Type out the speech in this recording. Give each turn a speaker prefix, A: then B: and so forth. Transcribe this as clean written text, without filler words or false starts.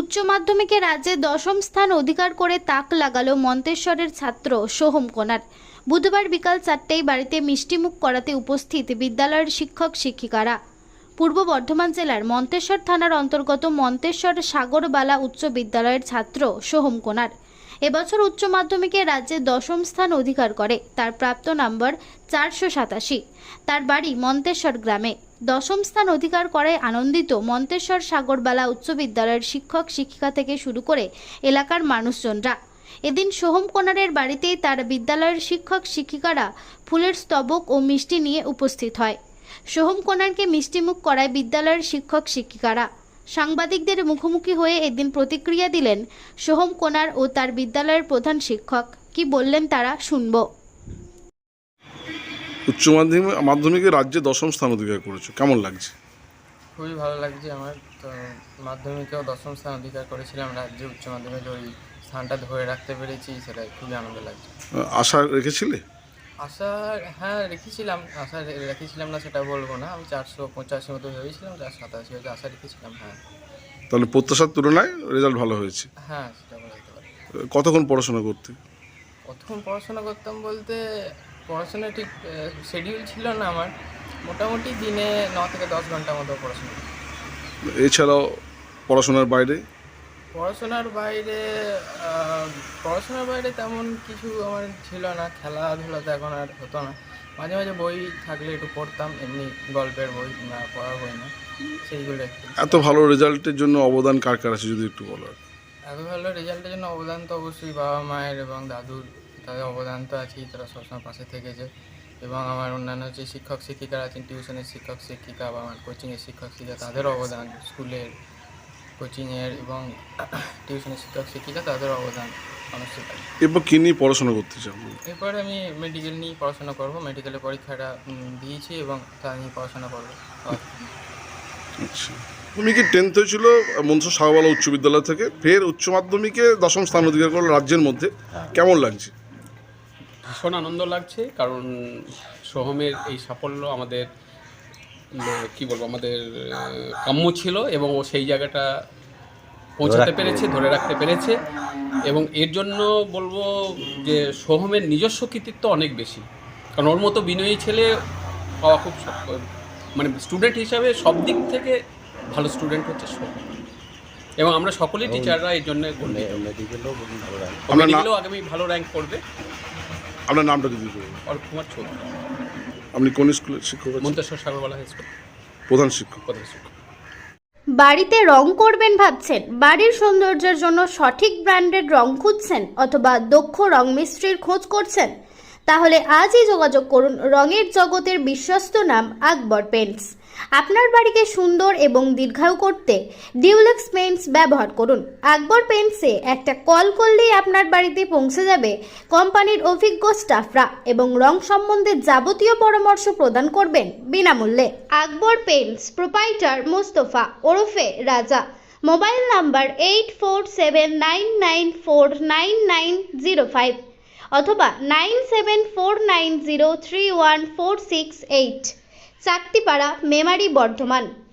A: উচ্চ মাধ্যমিকে রাজ্যে দশম স্থান অধিকার করে তাক লাগালো মন্তেশ্বরের ছাত্র সোহম কোনার। বুধবার বিকাল 4টায় বাড়িতে মিষ্টিমুখ করাতে উপস্থিত বিদ্যালয়ের শিক্ষক শিক্ষিকারা। পূর্ব বর্ধমান জেলার মন্তেশ্বর থানার অন্তর্গত মন্তেশ্বর সাগরবালা উচ্চ বিদ্যালয়ের ছাত্র সোহম কোনার এবছর উচ্চ মাধ্যমিকে রাজ্যে দশম স্থান অধিকার করে। তার প্রাপ্ত নম্বর 487। তার বাড়ি মন্তেশ্বর গ্রামে। দশম স্থান অধিকার করায় আনন্দিত মন্তেশ্বর সাগরবালা উচ্চ বিদ্যালয়ের শিক্ষক শিক্ষিকা থেকে শুরু করে এলাকার মানুষজনরা। এদিন সোহম কোনারের বাড়িতেই তার বিদ্যালয়ের শিক্ষক শিক্ষিকারা ফুলের স্তবক ও মিষ্টি নিয়ে উপস্থিত হয়। সোহম কোনারকে মিষ্টিমুখ করায় বিদ্যালয়ের শিক্ষক শিক্ষিকারা। সাংবাদিকদের মুখোমুখি হয়ে এদিন প্রতিক্রিয়া দিলেন সোহম কোনার ও তার বিদ্যালয়ের প্রধান শিক্ষক। কি বললেন তারা শুনব।
B: উচ্চ মাধ্যমিকে রাজ্যে দশম স্থান অধিকার করেছো, কেমন লাগছে?
C: খুবই ভালো লাগছে আমার। তো মাধ্যমিকেও দশম স্থান অধিকার করেছিলাম, রাজ্যে উচ্চ মাধ্যমিকে ওই স্থানটা ধরে রাখতে পেরেছি, সেটা খুবই আনন্দ লাগছে।
B: আশা রেখেছিলে?
C: আশা হ্যাঁ রেখেছিলাম, আশা রেখেছিলাম না সেটা বলবো না। আমি 485 মতো ভেবেছিলাম, 487 হয়েছে, আশা রেখেছিলাম। হ্যাঁ,
B: তাহলে প্রত্যাশার তুলনায় রেজাল্ট ভালো হয়েছে।
C: হ্যাঁ সেটা বলা যেতে পারে।
B: কতক্ষণ পড়াশোনা করতে?
C: প্রথম পড়াশোনা করতাম বলতে পড়াশোনা ঠিক শিডিউল ছিল না আমার, মোটামুটি দিনে 9 থেকে 10 ঘন্টা মতো পড়াশোনা।
B: এছাড়াও পড়াশোনার বাইরে?
C: পড়াশোনার বাইরে তেমন কিছু আমার ছিল না। খেলাধুলাতে এখন আর হতো না। মাঝে মাঝে বই থাকলে একটু পড়তাম, এমনি গল্পের বই না, পড়ার বই না, সেইগুলো একটু।
B: এত ভালো রেজাল্টের জন্য অবদান কার কার আছে যদি একটু বলো।
C: এত ভালো রেজাল্টের জন্য অবদান তো অবশ্যই বাবা মায়ের এবং দাদুর, তাদের অবদান তো আছেই, তারা সবসময় পাশে থেকেছে। এবং আমার অন্যান্য যে শিক্ষক শিক্ষিকারা আছেন, টিউশনের শিক্ষক শিক্ষিকা বা আমার কোচিংয়ের শিক্ষক শিক্ষিকা, তাদের অবদান, স্কুলের কোচিংয়ের এবং টিউশনের শিক্ষক শিক্ষিকা, তাদের অবদান অবশ্যই।
B: এরপর কী নিয়ে পড়াশোনা করতে চাও?
C: এরপর আমি মেডিকেল নিয়ে পড়াশোনা করবো। মেডিকেলের পরীক্ষাটা দিয়েছি এবং তা নিয়ে পড়াশোনা করবো।
B: আচ্ছা, তুমি কি 10th হয়েছিল মন্তেশ্বর সাগরবালা উচ্চ বিদ্যালয় থেকে, ফের উচ্চ মাধ্যমিকে দশম স্থান অধিকার করলো রাজ্যের মধ্যে, কেমন লাগছে?
D: ভীষণ আনন্দ লাগছে, কারণ সোহমের এই সাফল্য আমাদের কি বলবো, আমাদের কাম্য ছিল এবং ও সেই জায়গাটা পৌঁছাতে পেরেছে, ধরে রাখতে পেরেছে। এবং এর জন্য বলবো যে সোহমের নিজস্ব কৃতিত্ব অনেক বেশি, কারণ ওর মতো বিনয়ী ছেলে পাওয়া খুব মানে স্টুডেন্ট হিসাবে সব দিক থেকে ভালো স্টুডেন্ট হচ্ছে সোহম। এবং আমরা সকলেই টিচাররা এই জন্য মেডিকেলেও আগামী ভালো র্যাঙ্ক করবে।
B: আপনার নামটা যদি বলুন।
D: অর্ক কুমার চৌধুরী।
B: আপনি কোন স্কুলের শিক্ষক?
D: মন্তেশ্বর সাগরবালা হাই স্কুল
B: প্রধান শিক্ষক।
A: বাড়িতে রং করবেন ভাবছেন? বাড়ির সৌন্দর্যের জন্য সঠিক ব্র্যান্ডের রং খুঁজছেন অথবা দক্ষ রং মিস্ত্রির খোঁজ করছেন? তাহলে আজই যোগাযোগ করুন রঙের জগতের বিশ্বস্ত নাম আকবর পেইন্টস। আপনার বাড়িকে সুন্দর এবং দীর্ঘায়ু করতে ডিউলেক্স পেইন্টস ব্যবহার করুন। আকবর পেইন্টসে একটা কল করলেই আপনার বাড়িতে পৌঁছে যাবে কোম্পানির অভিজ্ঞ স্টাফরা এবং রং সম্বন্ধে যাবতীয় পরামর্শ প্রদান করবেন বিনামূল্যে। আকবর পেইন্টস প্রোপাইটার মোস্তফা ওরফে রাজা। মোবাইল নাম্বার 8479949905 অথবা 9749031468। চাকতিপাড়া, মেমারি, বর্ধমান।